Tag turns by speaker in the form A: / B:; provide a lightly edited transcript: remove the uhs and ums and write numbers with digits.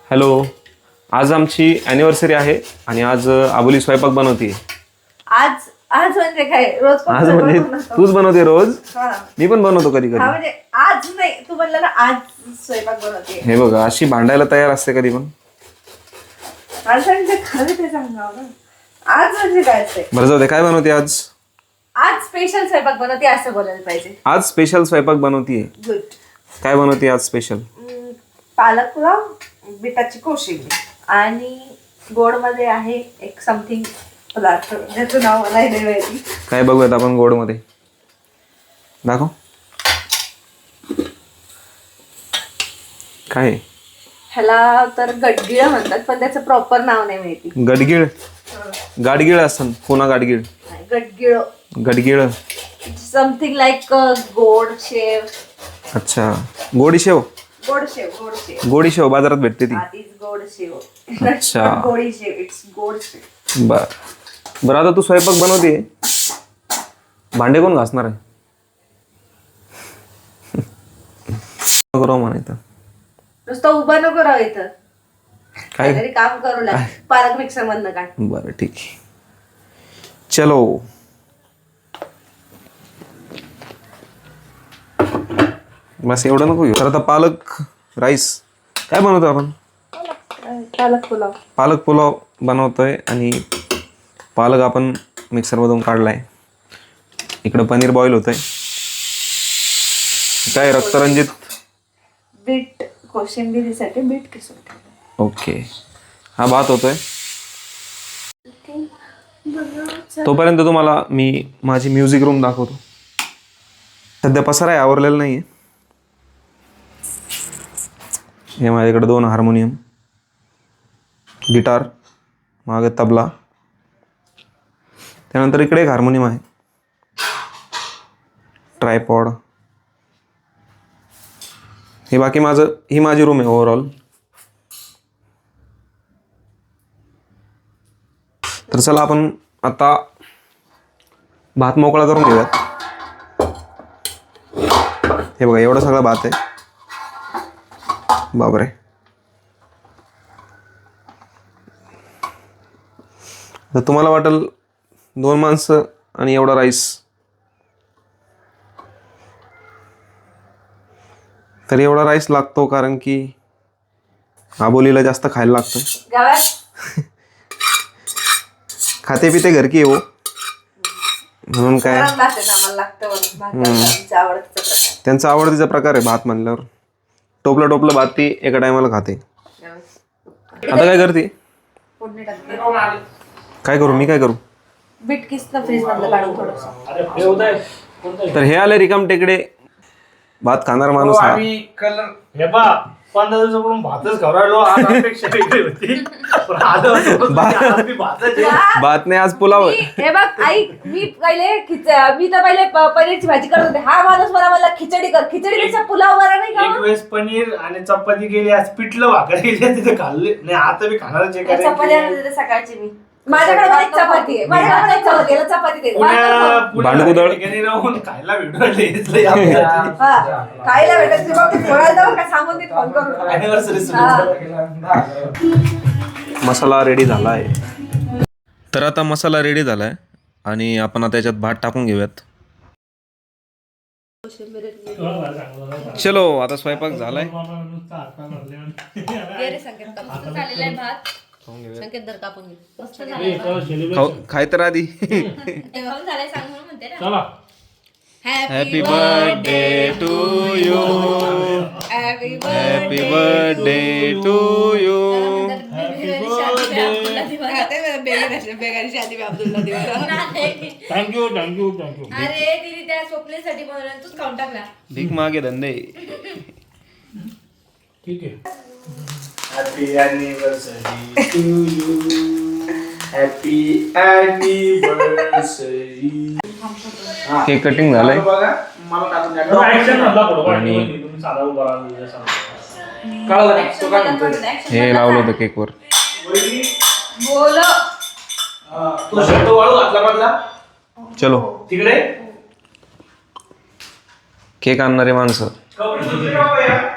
A: Hello, आज आमची anniversary आहे आणि आज आबोली स्वयंपाक बनवते.
B: आज आज म्हणजे काय रोज
A: आज म्हणजे तूच बनवते रोज. मी पण बनवतो कधी कधी.
B: म्हणजे आज नाही, तू म्हणलं ना आज स्वयंपाक बनवते.
A: हे बघा, अशी भांडायला तयार असते कधी पण.
B: आज म्हणजे काय असते?
A: बरं जाऊ दे, काय बनवते आज?
B: आज स्पेशल स्वयंपाक बनवते असं बोलायला पाहिजे.
A: आज स्पेशल स्वयंपाक बनवतीये.
B: गुड.
A: काय बनवते आज स्पेशल?
B: पालक पुलाव, बिटाची कोशिंबीर आणि गोड मध्ये आहे एक समथिंग पदार्थ ज्याचं नाव मला नाही माहिती.
A: काय बघूयात आपण गोड मध्ये? दाखव. काय?
B: ह्याला तर गडगिळ म्हणतात, पण त्याचं प्रॉपर नाव नाही माहिती.
A: गडगिळ? गाडगिळ असं पुन्हा गाडगिळ.
B: गडगिळ.
A: गडगिळ
B: समथिंग लाईक गोड शेव.
A: अच्छा, गोडी शेव.
B: गोड शेव, गोड शेव.
A: गोडी शेव बाजारात भेटते ती.
B: गोड शेव.
A: अच्छा.
B: गोडी शेव, इट्स गोड शेव.
A: बर बरं, आता तू स्वयंपाक बनवते, भांडे कोण घासणार आहे? करू म्हणायचं
B: नुसतं उभं नको राहू इथं.
A: काय?
B: काहीतरी काम करू लाग. पालक मिक्सर मधनं काढ.
A: बरं ठीक आहे, चलो. बस एवढं नको घेऊ. तर आता पालक राईस काय बनवतो आपण?
B: पालक पुलाव.
A: पालक पुलाव बनवतोय आणि पालक आपण मिक्सरमधून काढलाय. इकडं पनीर बॉईल होतंय. काय रक्तरंजित
B: बीट कोशिंबिरीसाठी बीट किसून ठेवलं.
A: ओके. हा भात होतोय. तोपर्यंत तुम्हाला मी माझी म्युझिक रूम दाखवतो. सध्या पसारा आहे, आवरलेला नाही आहे. हे माझ्याकडे 2 हार्मोनियम, गिटार, मागे तबला, त्यानंतर इकडे एक हार्मोनियम आहे, ट्रायपॉड. हे बाकी ही माझी रूम आहे ओव्हरऑल. तर चला आपण आता भात मोकळा करून घेऊयात. हे बघा, एवढा सगळा भात आहे. बापरे. तर तुम्हाला वाटेल 2 माणसं आणि एवढा राईस, तर एवढा राईस लागतो कारण की आबोलीला जास्त खायला लागतं. खाते पिते घर की हो, म्हणून काय त्यांचा आवडतीचा प्रकार आहे भात म्हणल्यावर. टोपलं भात ती एका टायमाला खाते. आता काय करते? काय करू मी? काय करू?
B: बीट किसनं फ्रीज मधलं काढून थोडंसं.
A: तर हे आले रिकाम टेकडे भात खाणार माणूस हा.
C: हे बा 15 दिवसापासून भातच खाऊ राहिलो. आज अपेक्षा वेगळी होती, पण आज
A: भात नाही, आज पुलाव.
B: हे बघ आई, मी तर पहिले पनीरची भाजी करत होते. हा माणूस मला खिचडी कर. खिचडीपेक्षा पुलाव बरा नाही का?
C: एक वेळेस पनीर आणि चपाती गेली, आज पिठलं भाकर गेली, तिथे खाल्ले नाही. आता मी खाणारच आहे.
B: चपाती आणून देते सकाळची मी. माझ्याकडे पण एक चपाती आहे. माझ्याकडे एक चपाती आहे. चपाती दे.
A: भांडकुदळ
C: राहून खायला भेटू.
B: खायला भेटायचं बघ, थोडा जाऊ का सांगून दे फोन करून.
A: मसाला रेडी झाला आहे. तर आता मसाला रेडी झालाय आणि आपण आता याच्यात भात टाकून घेऊयात. चलो, आता स्वयंपाक झालाय. खाय तर आधी. Happy birthday to you. Happy birthday to you.
C: Thank you.
B: अरे तिने त्या स्वप्नेसाठी बनवलं, तूच खाऊन टाकला.
A: भीक मागे धंदे.
C: ठीक आहे. Happy anniversary to you. Happy anniversary.
A: Cake cutting झालंय आणि हे लावलं होतं केकवर. चलो
C: तिकडे
A: केक आणणारे माणसं.